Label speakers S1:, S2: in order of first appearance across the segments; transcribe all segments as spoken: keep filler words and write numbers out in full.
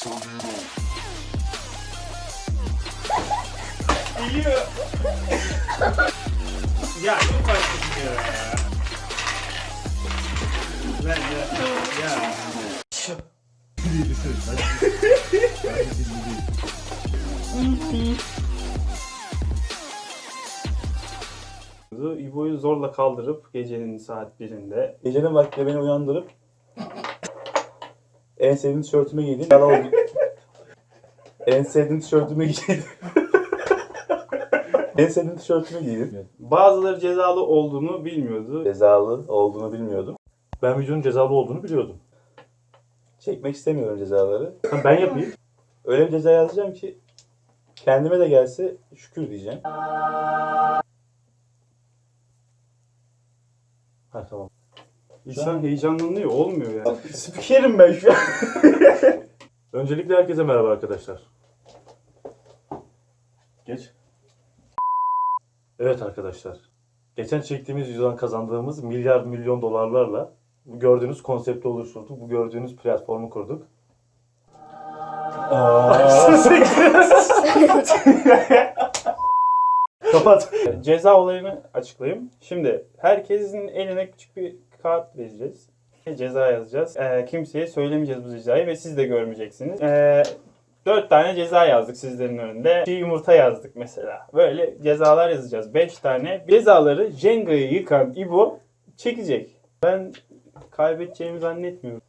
S1: Geliyor. Ya çok farklı gidiyor ya. Ben ya. Ya.
S2: Bir düşün. Hadi.
S1: İbo'yu zorla kaldırıp gecenin saat birinde
S3: Gecenin vakti beni uyandırıp en sevdiğim tişörtümü giydim. Yala oldu. En sevdiğim tişörtümü giydim. En sevdiğim tişörtümü giydim.
S1: bazıları cezalı olduğunu bilmiyordu.
S3: Cezalı olduğunu bilmiyordum.
S2: Ben videonun cezalı olduğunu biliyordum.
S3: Çekmek istemiyorum cezaları.
S2: Ha, ben yapayım.
S3: Öyle bir ceza yazacağım ki kendime de gelse şükür diyeceğim.
S2: Ha tamam.
S1: İnsan heyecanlanıyor, olmuyor yani.
S3: Spikerim ben şu an.
S2: Öncelikle herkese merhaba arkadaşlar. Geç. Evet arkadaşlar. Geçen çektiğimiz videodan kazandığımız milyar milyon dolarlarla bu gördüğünüz konsepti oluşturduk. Bu gördüğünüz platformu kurduk. Kapat.
S1: Ceza olayını açıklayayım. Şimdi herkesin eline küçük bir kağıt vereceğiz. Ceza yazacağız. Ee, kimseye söylemeyeceğiz bu cezayı ve siz de görmeyeceksiniz. Ee, dört tane ceza yazdık sizlerin önünde. Çiğ yumurta yazdık mesela. Böyle cezalar yazacağız. Beş tane. Cezaları Jenga'yı yıkan İbo çekecek. Ben kaybedeceğimi zannetmiyorum.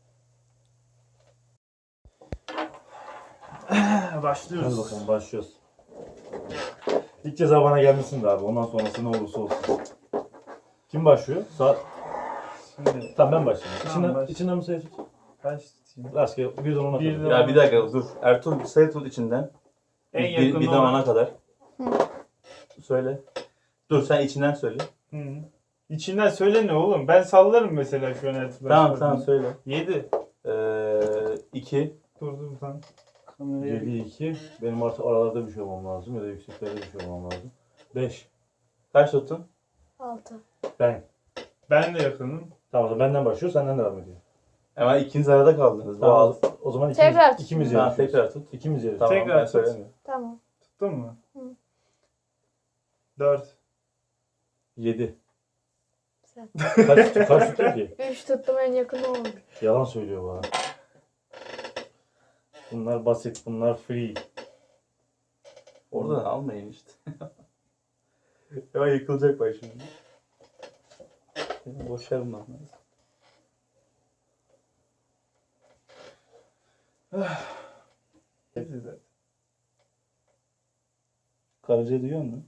S1: Başlıyoruz.
S2: Hadi bakalım başlıyoruz. İlk ceza bana gelmesin de abi. Ondan sonrası ne olursa olsun. Kim başlıyor? Sağ...
S1: Şimdi
S2: Tamam ben başlayayım.
S1: Tamam,
S2: İçinden,
S1: baş-
S2: içinden mi sayı tut?
S1: kaç tutayım?
S2: Rastgele birden ona
S1: Bir
S2: kadar.
S1: de-
S3: Ya bir dakika dur. Ertuğrul sayı tut içinden.
S1: En
S3: bir,
S1: yakın
S3: bir
S1: olan-
S3: zamana kadar. Söyle. Dur sen içinden söyle.
S1: Hı. İçinden söyle ne oğlum? Ben sallarım mesela şu an Ertuğrul.
S3: Tamam tamam söyle.
S1: yedi.
S3: Ee, iki.
S1: Dur dur sen. Kamerayı...
S2: yedi iki. Benim artık aralarda bir şey olmam lazım ya da yükseklerde bir şey olmam lazım. beş.
S3: Kaç tuttun?
S4: Altı.
S2: Ben.
S1: Ben de yakınım.
S2: Tamam o zaman benden başlıyor, senden devam ediyor.
S3: Ama ikiniz arada kaldınız.
S2: Tamam.
S3: Tamam.
S2: O zaman ikimiz,
S4: Tekrar.
S2: ikimiz
S3: Tamam
S2: yarışıyoruz.
S3: tekrar tut.
S2: İkimiz yarışıyoruz.
S3: Tamam
S1: Tekrar
S3: ben
S1: tut.
S3: söylemiyorum.
S4: Tamam.
S1: Tuttun mu?
S4: Hı.
S1: Dört.
S2: yedi.
S4: Sen.
S2: Kaç tutuyor, kaç tutuyor ki?
S4: Üç tuttum, en yakın oldu.
S2: Yalan söylüyor bana. Bunlar basit, bunlar free.
S3: Oradan almayın işte. Ya yıkılacak bak şimdi. Benim boşarım lan.
S1: Hepsi zaten.
S3: Karıcayı duyuyor musun?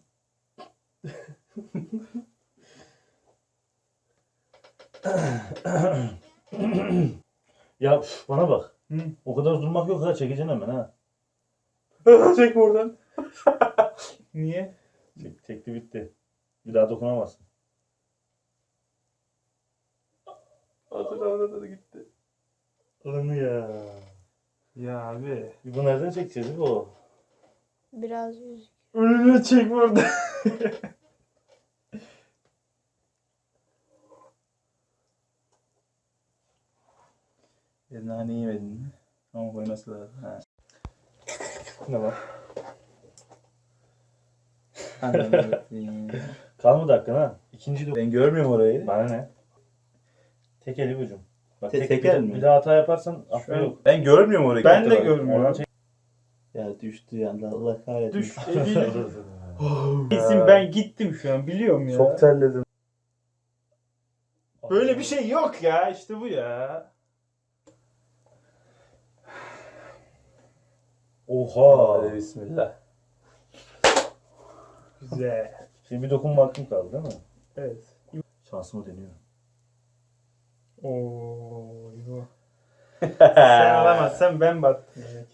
S2: Ya üf, bana bak.
S1: Hı.
S2: O kadar durmak yok ha, çekeceksin hemen ha.
S1: Çek buradan. Niye?
S2: Çek, çekti bitti. Bir daha dokunamazsın.
S3: Hatırlamada da gitti.
S2: Onu ya.
S1: Ya abi.
S2: Bu nereden çekeceğiz bu?
S4: Biraz yüz.
S1: Önüne çek buradan.
S3: Bir nane yemedin mi? Ama koyması lazım. Ha.
S2: Ne var?
S3: Anladım.
S2: Kalmadı hakkın ha. İkinci dokun.
S3: Ben görmüyorum orayı.
S2: Bana ne? Tek eli ucum. Bak,
S3: Te-
S2: tek,
S3: tekel
S2: bir,
S3: mi?
S2: bir daha hata yaparsan affı
S1: an-
S2: yok.
S3: Ben görmüyorum orayı.
S1: Ben de
S3: Bak.
S1: görmüyorum.
S2: Oradan çek.
S3: Ya düştü ya Allah kahretsin.
S1: Düş. Eliyle. Kesin ben gittim şu an biliyorum ya.
S3: Çok terledim.
S1: Böyle bir şey yok ya. İşte bu ya.
S2: Oha.
S3: Hadi bismillah.
S1: Güzel.
S2: Şimdi bir dokunma hakkım kaldı değil mi?
S1: Evet.
S2: Şansımı deniyorum.
S1: Oo, yo. Sen alamazsan ben battım. Yani.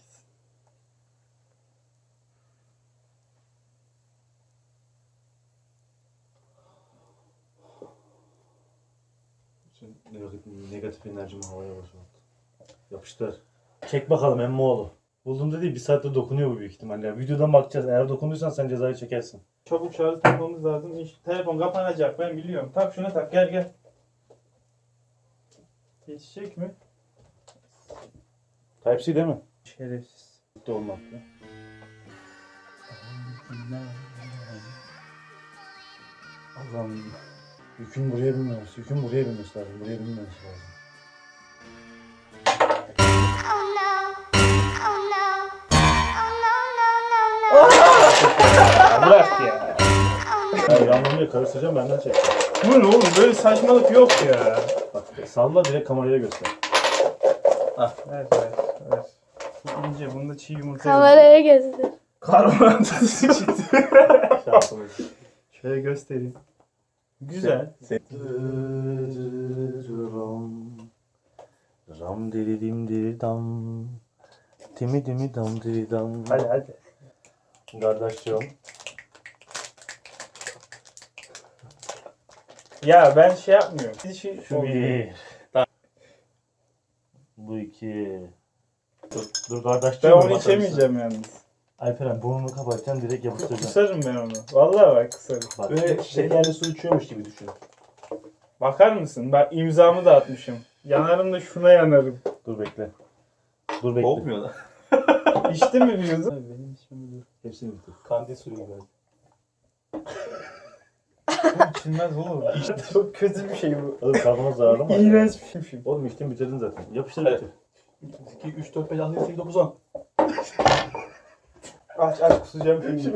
S2: Bütün negatif, negatif enerjimi havaya boşalttı. Yapıştır. Çek bakalım emmoğlu. Buldum dedi, bir saatte dokunuyor bu büyük ihtimalle. Ya. Videodan bakacağız. Eğer dokunduysan sen cezayı çekersin.
S1: Çabuk şarj takmamız lazım. İş, telefon kapanacak ben biliyorum. Tak şuna tak gel gel. Geçecek mi?
S2: Type-C değil mi?
S1: Şerefsiz.
S2: Mutlu olmakla. Allah'ım. Yükün buraya binmemesi. Yükün buraya binmesi lazım. Buraya binmemesi lazım.
S1: Bırak ya.
S2: Ya yanlamaya karıştıracağım benden çek.
S1: Bu ne oğlum? Böyle saçmalık yok ya.
S2: Bak salla direkt kameraya göster.
S1: Ver ver ver. Bu ince, bunda çiğ yumurta yok.
S4: Kameraya göster.
S1: Karbonatlısı çıktı.
S2: Şansımız.
S1: Şöyle göstereyim. Güzel.
S2: Ram diri dim diri dam. Dimi dimi dam diri dam.
S1: Hadi hadi.
S2: Kardeşim.
S1: Ya ben şey yapmıyorum. Bir şey
S2: Şu bir. Bu iki. Dur, dur kardeşim.
S1: Ben onu içemeyeceğim yalnız.
S2: Alperen burnunu kapatacaksın direkt yapıştıracaksın.
S1: Kusarım ben onu. Vallahi bak kusarım.
S2: Bak,
S3: Böyle şekerli su içiyormuş gibi düşün.
S1: Bakar mısın? Ben imzamı da atmışım. Yanarım da şuna yanarım.
S2: dur bekle. Dur bekle.
S3: Olmuyor lan.
S1: İçti mi biliyorsun? Benim içmem dur.
S2: Hepsini bitir.
S3: Kandil suyu gibi.
S1: İçilmez oğlum. Çok kötü bir şey bu.
S2: Oğlum karbonat zararlı mı?
S1: İğrenç bir şey.
S2: Oğlum içtin bitirdin zaten. Yapıştır
S3: Hadi.
S2: bitir.
S3: iki, üç, dört, beş, altı, yedi, sekiz, dokuz, on.
S1: Aç aç kusacağım şimdi.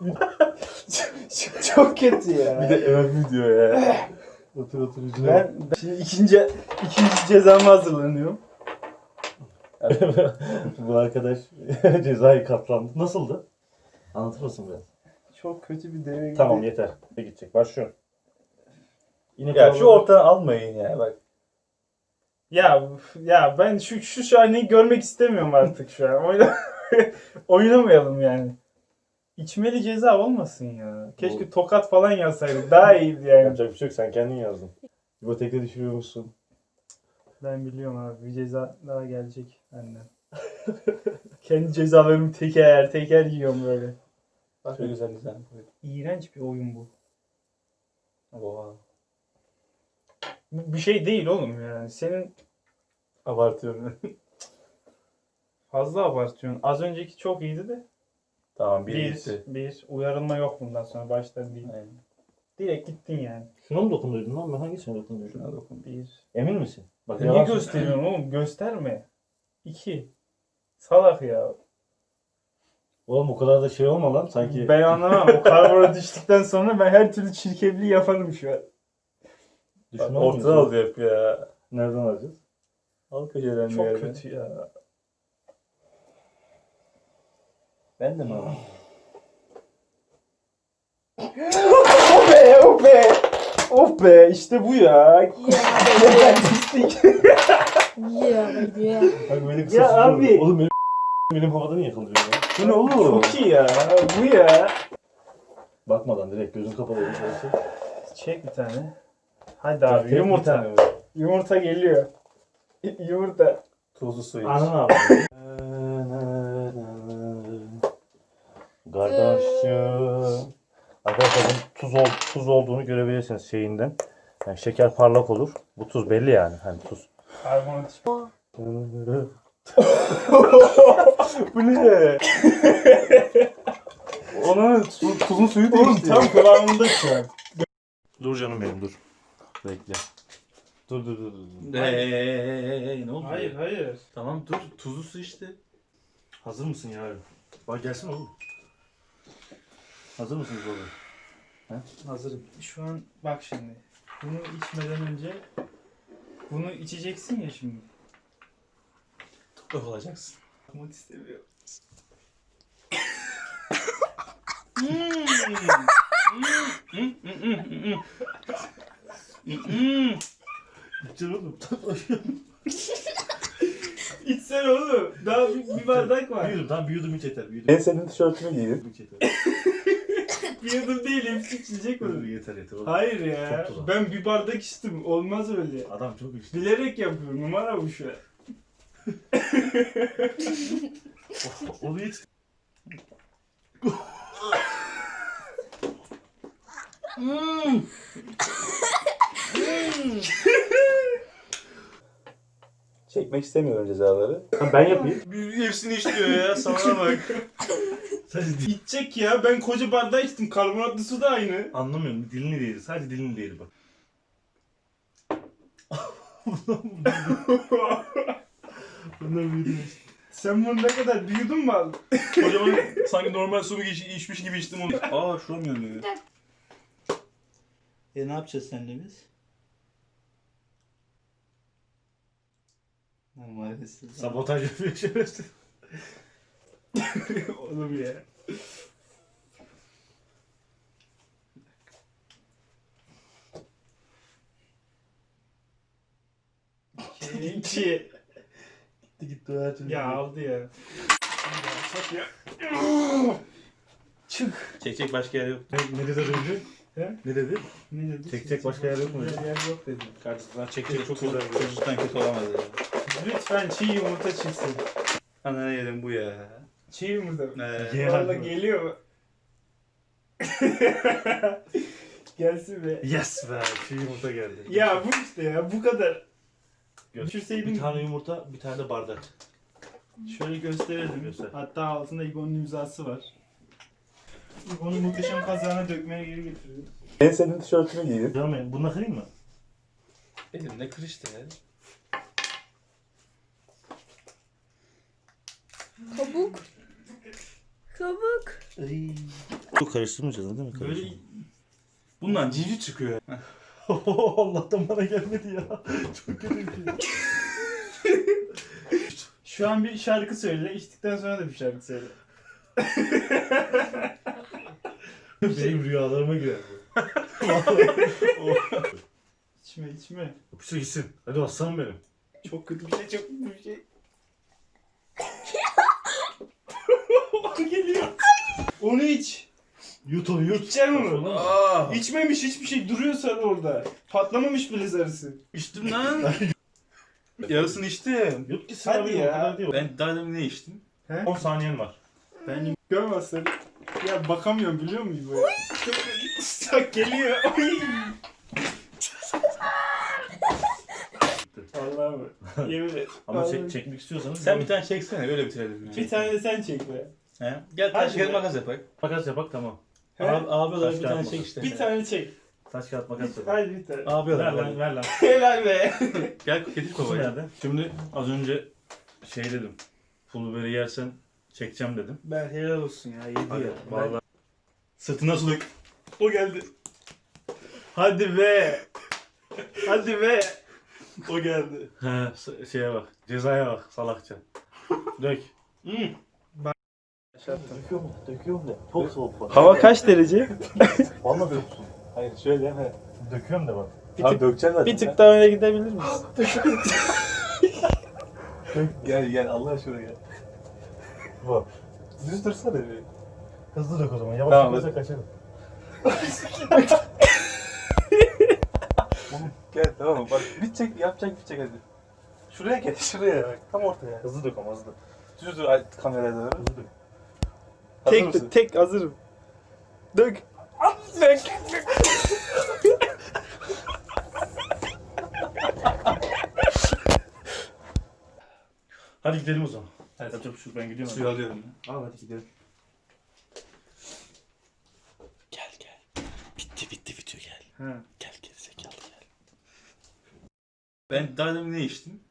S1: Çok kötü ya.
S3: Bir de evet video ya.
S2: Otur otur yüzüne.
S1: Ben, ben şimdi ikinci ikinci cezama hazırlanıyorum.
S2: Bu arkadaş cezayı katlandı. Nasıldı? Anlatır mısın biraz?
S1: Çok kötü bir deve gibi.
S2: Tamam yeter. Ne gidecek? Başlıyorum. Yine
S3: Ya şu
S2: kalabalık-
S3: ortadan almayın ya bak.
S1: Ya ya ben şu şu sahneyi görmek istemiyorum artık şu an. Oyna oynamayalım yani. İçmeli ceza olmasın ya. Keşke tokat falan yazsaydık. Daha iyiydi yani.
S2: Yapacak bir şey yok. Sen kendin yazdın. İbotek'te düşürüyormuşsun.
S1: Ben biliyorum abi. Bir ceza daha gelecek benden. Kendi cezalarımı teker teker yiyorum böyle.
S3: Bak ne güzel güzel.
S1: İğrenç bir oyun bu.
S3: Oha.
S1: Bu bir şey değil oğlum yani. Senin
S3: Abartıyorum.
S1: fazla abartıyorsun. Az önceki çok iyiydi de.
S3: Tamam bir,
S1: Bir,
S3: gitti.
S1: bir. Uyarılma yok bundan sonra. Baştan bir.
S3: Aynen.
S1: Direkt gittin yani.
S2: Şuna mı dokunduydun lan? Ben hangisine dokunduydum?
S3: Şuna dokun.
S1: Bir.
S2: Emin misin? Bak
S1: Niye
S2: yalan
S1: gösteriyorsun oğlum? Gösterme. İki. Salak ya.
S2: Oğlum o kadar da şey olma lan sanki.
S1: Ben anlamam. O karbona düştükten sonra ben her türlü çirkefliği yaparım şu an.
S2: Düşünmez
S3: Ortadan
S2: misin?
S3: aldı hep ya.
S2: Nereden alacağız?
S3: Al köşeden bir
S1: Çok
S3: yerden.
S1: kötü ya.
S3: Ben de mi alayım?
S1: Oh be, oh be. Oh be, işte bu ya.
S4: Yeah baby.
S2: Bak böyle kısa
S1: Ya
S2: sürüyor.
S1: abi.
S2: Oğlum benim benim havada niye kaldırıyor ya?
S1: Bu ne oğlum? Çok iyi ya. Bu ya.
S2: Bakmadan direkt gözün kapalı olmuş olsun.
S1: Çek bir tane. Hadi abi
S2: Tek bir
S1: yumurta.
S2: tane var.
S1: Yumurta geliyor. Yumurta.
S3: Tuzlu su iç.
S2: Anın abi. Kardeşim. Arkadaşlar bunun tuz, ol, tuz olduğunu görebilirsiniz şeyinden. Yani şeker parlak olur. Bu tuz belli yani. Hani tuz.
S1: Karbonat.
S3: Bu ne? Onun tu- tuzun suyu
S1: Oğlum
S3: değişti.
S1: tam kıvamında şu an.
S2: Dur canım benim dur. Bekle. Dur dur dur. dur.
S3: Hey, ne oldu?
S1: Hayır hayır.
S3: Tamam dur tuzlu su işte.
S2: Hazır mısın yarın? Bak gelsin oğlum. Hazır mısınız oğlum?
S1: Hazırım. Şu an bak şimdi. Bunu içmeden önce bunu içeceksin ya şimdi.
S3: Toprak olacaksın.
S1: Yapmak istemiyorum.
S2: İçin oğlum.
S1: İçsene oğlum. Daha bir, bir bardak var.
S2: Büyüdüm tamam büyüdüm hiç yeter. Büyüdüm.
S3: En sevdiğin tişörtümü giydin.
S2: Hiç yeter.
S1: Bir yudum değil hepsi içecek
S2: Dur,
S1: olur.
S2: yeter yeter oğlum.
S1: Hayır ya.
S2: Çok tuzak.
S1: Ben bir bardak içtim. Olmaz öyle.
S2: Adam çok içti.
S1: Bilerek yapıyorum. Numara bu şu an.
S2: Onu hiç.
S3: Çekmek istemiyorum cezaları.
S2: Ha, ben yapayım.
S1: Hepsini işliyor ya, sana bak.
S2: Sadece
S1: İçecek ya, ben koca bardağı içtim. Karbonatlı su da aynı.
S2: anlamıyorum. Dilini değil. Sadece dilini değil bak. Bunlar büyüdü.
S1: Sen bunu ne kadar büyüdün mü aldın?
S5: Kocaman sanki normal su iç, içmiş gibi içtim onu. Aa şuram yanıyor.
S6: E ne yapacağız seninle biz? Ha, maalesef.
S2: Sabotaj yapıyor şerefsiz.
S1: Oğlum ya. İki.
S2: Gitti gitti o her türlü.
S1: Ya aldı ya. Çık.
S5: Çekecek başka yer yok.
S2: Ne, ne dedi önce?
S1: He?
S2: Ne dedi?
S1: Ne dedi?
S2: Çekecek başka yer yok mu?
S1: Yer yok dedi.
S5: Karşısından çekecek çok
S2: Çok
S5: güzel.
S2: güzel.
S5: Çocuktan kötü olamaz ya.
S1: Lütfen çiğ yumurta çıksın.
S5: Ana yedim bu ya.
S1: Çiğ yumurta mı?
S5: Ee,
S2: Ye
S1: Valla
S2: hadi.
S1: geliyor mu? Gelsin be.
S2: Yes be. Çiğ yumurta geldi.
S1: Ya bu işte ya, bu kadar.
S2: Gö-
S1: Düşürseydin.
S2: Bir tane yumurta, bir tane de bardak.
S1: Şöyle gösterelim.
S2: Göster.
S1: Hatta altında İbo'nun imzası var. İbo'nun muhteşem kazağına dökmeye geri getiriyor.
S3: En sevdiğin tişörtünü giydin.
S2: Canım benim, bununla kırayım mı?
S5: elimde kır işte ya.
S4: Kabuk. Kabuk.
S2: Çok karıştırmayacağız değil mi?
S5: Böyle bundan civciv çıkıyor.
S2: Allah'tan bana gelmedi ya. Çok kötü bir şey.
S1: Şu an bir şarkı söyle, içtikten sonra da bir şarkı söyle.
S2: Benim rüyalarıma girer bu.
S1: İçme içme.
S2: Yapıştır gitsin. Hadi aslanım benim.
S1: Çok kötü bir şey, çok kötü bir şey. Geliyor. Onu iç.
S2: Yut onu yut.
S1: İçeceksin onu.
S5: Aa,
S1: İçmemiş hiçbir şey, duruyor sarı orada. Patlamamış bile sarısı.
S5: içtim lan. Yarısını içtim.
S2: Yut gitsin
S1: Hadi
S2: abi.
S1: ya.
S2: O kadar değil.
S5: Ben daha demin ne içtim?
S1: He?
S2: on saniyen var.
S1: Ben görmezsen. Ya bakamıyorum, biliyor musun böyle? Çok geliyor. Oy. Allah'ım. Yemin et.
S2: Ama
S1: Vallahi.
S2: çek, çekmek istiyorsanız.
S5: Sen bir tane çeksene öyle bitirelim. Ya.
S1: Bir tane de sen çek be.
S5: He? Gel
S1: Hadi
S5: taş kağıt
S1: be.
S5: makas yapak.
S2: Makas yapak tamam.
S1: He?
S5: Abi, abi olarak
S2: Taş
S5: bir
S2: kağıt
S5: tane
S2: makas.
S5: çek işte.
S1: Bir tane çek.
S2: Taş kağıt makas yapak.
S1: Haydi bir tane.
S5: Abi
S2: Ver
S5: olarak.
S2: lan ver lan.
S1: Helal be.
S5: Gel getir
S2: Kutu
S5: kovayı.
S2: nerede? Şimdi az önce şey dedim. Pul biberi yersen çekeceğim dedim.
S1: Ben helal olsun ya. Yedi
S2: Hadi
S1: ya.
S2: vallahi.
S5: Sırtına suluk.
S1: O geldi. Hadi be. Hadi be. O geldi.
S2: He s- şeye bak. Cezaya bak salakça. Dök.
S5: Hmm.
S2: Döküyor mu? Döküyor mu? Çok soğuk bak.
S1: Hava kaç derece?
S2: Vallahi döksün.
S3: Hayır şöyle he.
S2: Döküyorum da bak.
S1: Bir
S3: Abi
S1: tık,
S3: dökeceksin zaten.
S1: bir tık daha öne gidebilir misin?
S3: Gel gel Allah aşkına gel.
S2: Bak.
S3: Düz dursana bir.
S2: Hızlı dök o zaman. Yavaş
S3: Tamam,
S2: yaparsak kaçarım.
S3: Gel tamam mı? Bak bitecek yapacak bitecek hadi. Şuraya gel şuraya bak. Tam ortaya.
S2: Hızlı dök ama hızlı.
S3: Düz dur ay- kameraya doğru.
S2: Hızlı dök.
S3: Hazır mısın?
S1: Tek tek hazırım. Dök. Dök.
S2: Hadi gidelim o zaman. Hadi. Yapacak bir şey yok, ben gidiyorum.
S5: Suyu alıyorum.
S2: Al hadi gidelim.
S5: Gel gel. Bitti bitti bitiyor gel.
S1: Ha.
S5: Gel gel zekalı gel. Ben daha demin ne içtim?